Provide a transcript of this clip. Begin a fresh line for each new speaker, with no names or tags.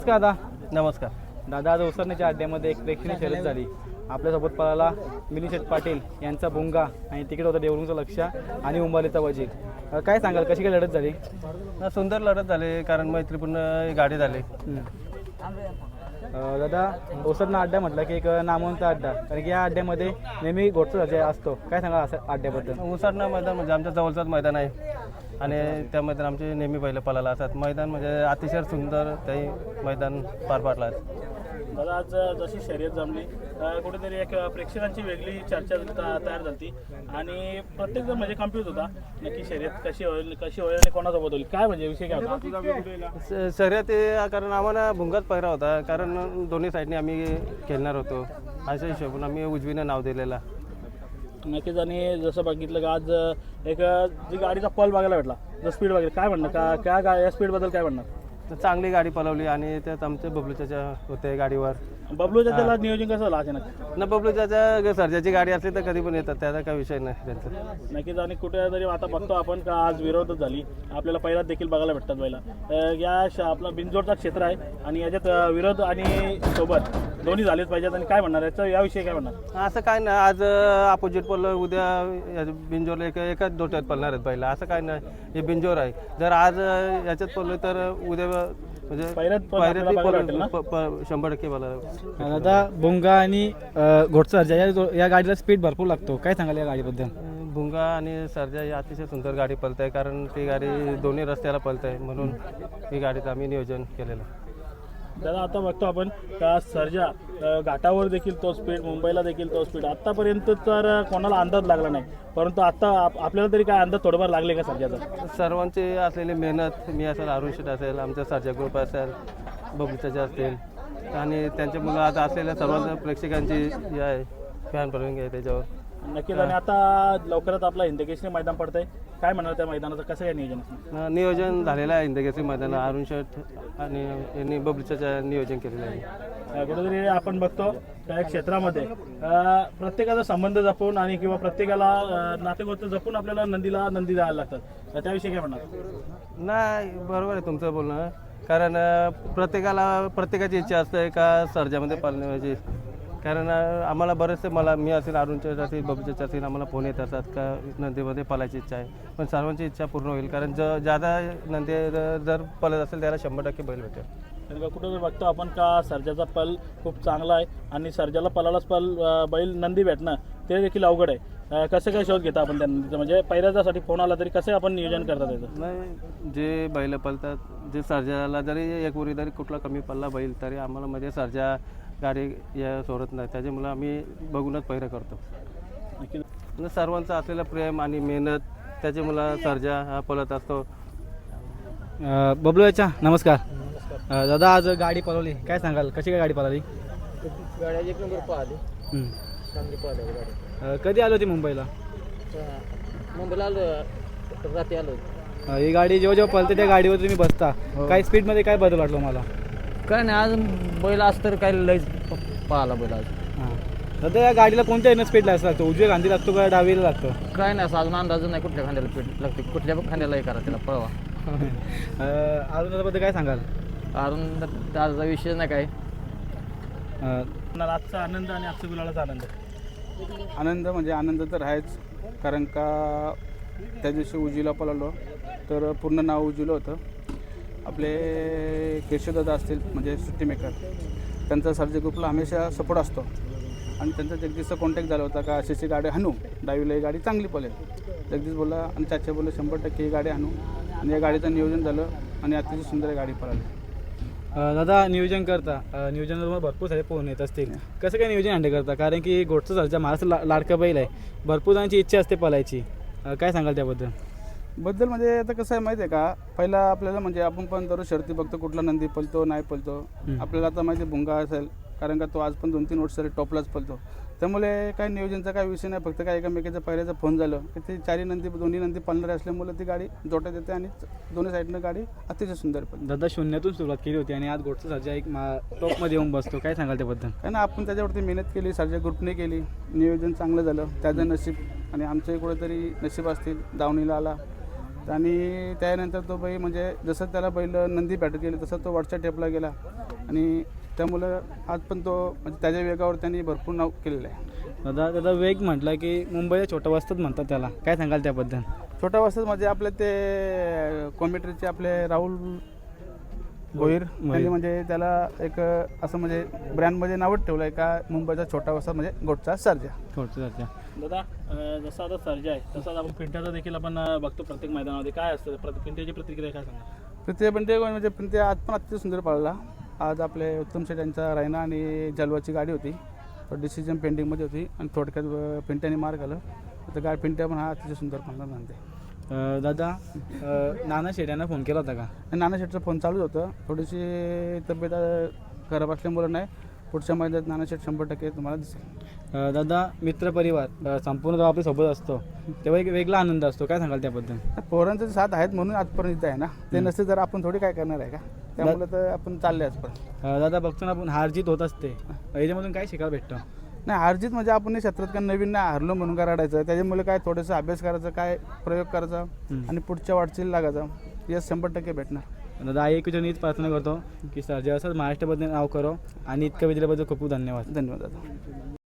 नमस्कार दादा.
नमस्कार
दादा, आज ओसरण्याच्या अड्ड्यामध्ये एक प्रेक्षणीय शर्यत झाली. आपल्यासोबत पळाला मिलिंद पाटील यांचा भुंगा आणि तिकीट होतं देवरुंगचं लक्ष आणि उंबालीचा वजीर. काय सांगाल, कशी काय लढत झाली?
सुंदर लढत झाली, कारण मैत्रीपूर्ण गाडी झाली.
दादा, ओसरना अड्डा म्हटलं की एक नामवंत अड्डा, कारण की या अड्ड्यामध्ये नेहमी घोटचा असतो. काय सांगाल असं अड्ड्याबद्दल?
उसरणं मैदान म्हणजे आमच्या जवळचंच मैदान आहे आणि त्या मैदान आमचे नेहमी बैल पळायला असतात. मैदान म्हणजे अतिशय सुंदर तेही मैदान पार पाडलं आहे.
दादा, आज जशी शर्यत जमली कुठेतरी एक प्रेक्षकांची वेगळी चर्चा तयार झाली आणि प्रत्येकजण म्हणजे कन्फ्यूज होता नक्की शर्यत कशी होईल आणि कोणासोबत होईल, काय म्हणजे विषय काय होता?
शर्यत कारण आम्हाला भुंगाच पहिरा होता, कारण दोन्ही साईडने आम्ही खेळणार होतो. अशा हिशोबाने आम्ही उजवीनं नाव दिलेला.
नक्कीच. आणि जसं बघितलं का आज एक जी गाडीचा पल बघायला भेटला, जर स्पीड बघितलं, काय म्हणणं का या स्पीडबद्दल काय म्हणणार?
तर चांगली गाडी पळवली आणि त्यात आमचे बबलूच्या होते गाडीवर.
बबलूच्या त्याला नियोजन कसं झालं अचानक?
न बबलूच्या सर्जाची गाडी असली तर कधी पण येतात, त्याचा काही विषय नाही त्यांचा.
नक्कीच. आणि कुठेतरी आता बघतो आपण का आज विरोधच झाली, आपल्याला पहिला देखील बघायला भेटतात बैला. या आपला बिनजोडचा क्षेत्र आहे आणि याच्यात विरोध आणि सोबत दोन्ही झालेच पाहिजेत. आणि काय म्हणणार याविषयी काय म्हणणार?
असं काय नाही, आज अपोजिट पडलं, उद्या बिंजोरला एकाच डोट्यात पडणार आहेत पहिला. असं काय नाही, हे बिंजोर आहे. जर आज याच्यात पडलं तर उद्या म्हणजे 100% मला.
दादा, भुंगा आणि घोटचा या गाडीला स्पीड भरपूर लागतो. काय सांगाल या गाडीबद्दल?
भुंगा आणि सर्जा ही अतिशय सुंदर गाडी पळत आहे, कारण ती गाडी दोन्ही रस्त्याला पळत आहे, म्हणून ही गाडीचं आम्ही नियोजन केलेलं.
दादा, आता बघतो आपण का सर्जा घाटावर देखील तो स्पीड, मुंबईला देखील तो स्पीड. आत्तापर्यंत तर कोणाला अंदाज लागला नाही, परंतु आता आपल्याला तरी काय अंदाज थोडंफार लागले का सर्जाचा?
सर्वांची असलेली मेहनत, मी असेल, अरुण शेट असेल, आमचा सर्जा ग्रुप असेल, बबलूच्या असतील आणि त्यांच्या मुलं आता असलेल्या सर्वांच्या प्रेक्षकांची हे आहे, फॅन फॉलोइंग आहे त्याच्यावर.
नक्कीच. आणि आता लवकरच आपला हिंदकेसरी मैदान पडतंय, काय म्हणणार त्या मैदानाचं, कसं काय नियोजन?
नियोजन झालेलं आहे हिंदकेसरी मैदान. अरुण शेट आणि यांनी बबलूच्या नियोजन केलेलं आहे.
कुठेतरी आपण बघतो त्या क्षेत्रामध्ये प्रत्येकाचा संबंध जपून आणि किंवा प्रत्येकाला नातेगोते जपून आपल्याला नंदी द्यायला लागतात. त्याविषयी काय म्हणणार?
नाही, बरोबर आहे तुमचं बोलणं, कारण प्रत्येकाची इच्छा असते का सर्जामध्ये पाळण्याची. कारण आम्हाला बरेचसे, मी असेल, अरुणचे असेल, बबलूचे असेल, आम्हाला फोन येत असतात का नंदीमध्ये पळायची इच्छा आहे. पण सर्वांची इच्छा पूर्ण होईल, कारण ज्यादा नंदी जर पळत असेल त्याला 100% बैल भेटेल.
कारण कुठं बघतो आपण का सर्जाचा पल खूप चांगला आहे आणि सर्जाला पलालाच बैल नंदी भेटणं ते देखील अवघड आहे. कसं काय शोध घेता आपण त्या नंदीचं, म्हणजे पहिल्यासाठी फोन आला तरी कसं आपण नियोजन करतात त्याचं?
नाही, जे बैल पळतात, जे सर्जाला जरी एक उरी जरी कुठला कमी पडला बैल तरी आम्हाला म्हणजे सर्जा गाडी या सोडत नाही, त्याच्यामुळे आम्ही बघूनच पहिरं करतो.
नक्की.
सर्वांचं असलेलं प्रेम आणि मेहनत, त्याच्यामुळे सर्जा हा पळत असतो.
बबलू याच्या नमस्कार. दादा, आज गाडी पळवली, काय सांगाल, कशी काय गाडी पळाली?
गाडी एक नंबर पाहिली, चांगली पाहिली गाडी.
कधी आलो होती मुंबईला?
मुंबईला आलो, रात्री आलो.
ही गाडी जेव्हा पळते त्या गाडीवर तुम्ही बसता, काय स्पीडमध्ये काय बदल वाटलो मला?
काय नाही, आज बैल असतं तर काय लयच पाहिला बैल आज.
दादा, या गाडीला कोणत्या येणं स्पीड लागतो? उजव्या खांदी लागतो का डावीला लागतो?
काय नाही, असं अजून अंदाज नाही कुठल्या खांद्याला पीठ लागते, कुठल्या खांद्याला हे करा त्याला पळवा.
अजून त्याबद्दल काय सांगाल?
अजून त्याचा विषय नाही काय.
आजचा आनंद आणि आजच्या गुलालाचा
आनंद म्हणजे आनंद तर आहेच, कारण का त्या दिवशी उजीला पळालो तर पूर्ण नाव उजीलं होतं. आपले केशवदादा असतील, म्हणजे सुट्टी मेकर, त्यांचा सर्जा ग्रुपला हमेशा सपोर्ट असतो आणि त्यांचा जगदीशचा कॉन्टॅक्ट झाला होता का अशी गाडी हाणू, डावीला ही गाडी चांगली पळेल. जगदीश बोलला आणि चाचा बोलले 100% ही गाडी हाणू, आणि या गाडीचं नियोजन झालं आणि अतिशय सुंदर गाडी पळाली.
दादा, नियोजन करता, नियोजनाला तुम्हाला भरपूर सारे फोन येत असतील, कसं काय नियोजन हँडल करता? कारण की घोटचा सर्जा महाराष्ट्र लाडका बैल आहे, भरपूर जणांची इच्छा असते पळायची, काय सांगाल त्याबद्दल?
म्हणजे आता कसं आहे माहिती आहे का, पहिला आपल्याला म्हणजे आपण पण दररोज शर्ती बघतो कुठला नंदी पळतो नाही पळतो. आपल्याला आता माहिती आहे भुंगा असेल, कारण का तो आज पण 2-3 वर्ष टॉपलाच पळतो, त्यामुळे काय नियोजनचा काय विषय नाही. फक्त काय एकामेकाचा पहिल्याचा फोन झालं की ते दोन्ही नंदी पळणारे असल्यामुळे ती गाडी जोट्यात येते आणि दोन्ही साईडनं गाडी अतिशय सुंदर पळते.
दादा, शून्यातून सुरुवात केली होती आणि आज घोटचा सर्जा एक टॉपमध्ये येऊन बसतो, काय सांगाल त्याबद्दल?
काय ना, आपण त्याच्यावरती मेहनत केली, सर्जा ग्रुपने केली, नियोजन चांगलं झालं, त्याचं नशीब आणि आमचंही कुठेतरी नशीब असतील, दावणीला आला आणि त्यानंतर तो बैल म्हणजे जसं त्याला बैल नंदी भेटत गेले तसं तो वरच्या टेपला गेला आणि त्यामुळं आज पण तो म्हणजे त्याच्या वेगावर त्यांनी भरपूर नाव केलेलं आहे.
दादा वेग म्हटलं की मुंबईला छोटा वस्तात म्हणतात त्याला, काय सांगाल त्याबद्दल?
छोटा वस्तात म्हणजे आपले ते कॉम्प्युटरचे आपले राहुल भोईर त्यांनी म्हणजे त्याला एक असं म्हणजे ब्रँडमध्ये नावच ठेवलं आहे का मुंबईचा छोटा वस्तात म्हणजे गोटचा सर्जा.
छोटं
दादा जसं आता सर्जा आहे तसंच आपण पिंट्याचा देखील आपण बघतो प्रत्येक मैदानामध्ये. काय असतं पिंट्याची प्रतिक्रिया, काय सांगा?
प्रित्या पिंटे म्हणजे प्रित्या आज पण अतिशय सुंदर पाळला. आज आपले उत्तम शेठ यांचा रायना आणि जलवाची गाडी होती, तो डिसिजन पेंडिंगमध्ये होती आणि थोडक्यात पिंट्याने मार घालं तर गाडी पिंट्या पण हा अतिशय सुंदर पाळला नंतर.
दादा नाना शेट यांना फोन केला होता का?
आणि नाना शेठचा फोन चालूच होतं, थोडीशी तब्येत खराब असल्यामुळं नाही. पुढच्या महिन्यात नाना शेठ 100% तुम्हाला दिसेल.
दादा मित्रपरिवार संपूर्ण जेव्हा आपल्यासोबत असतो तेव्हा एक वेगळा आनंद असतो, काय सांगाल त्याबद्दल?
पोरांचे साथ आहेत म्हणून आजपर्यंत इथं आहे ना, ते नसते तर आपण थोडी काय करणार आहे का, त्यामुळे तर आपण चालले आजपर्यंत.
दादा बघतो ना आपण हारजीत होत असते, याच्यामधून काय शिकायला भेटतं?
नाही हारजीत म्हणजे आपण नाही क्षेत्रात काय नवीन नाही हारलो म्हणून काय रडायचं, त्याच्यामुळे काय थोडंसं अभ्यास करायचा, काय प्रयोग करायचा आणि पुढच्या वाटचाल लागायचा. यश 100% भेटणार.
दादा आई एकूण हीच प्रार्थना करतो की सर्जा असं महाराष्ट्राबद्दल नाव करो आणि इतकं विजयाबद्दल खूप खूप धन्यवाद.
धन्यवाद दादा.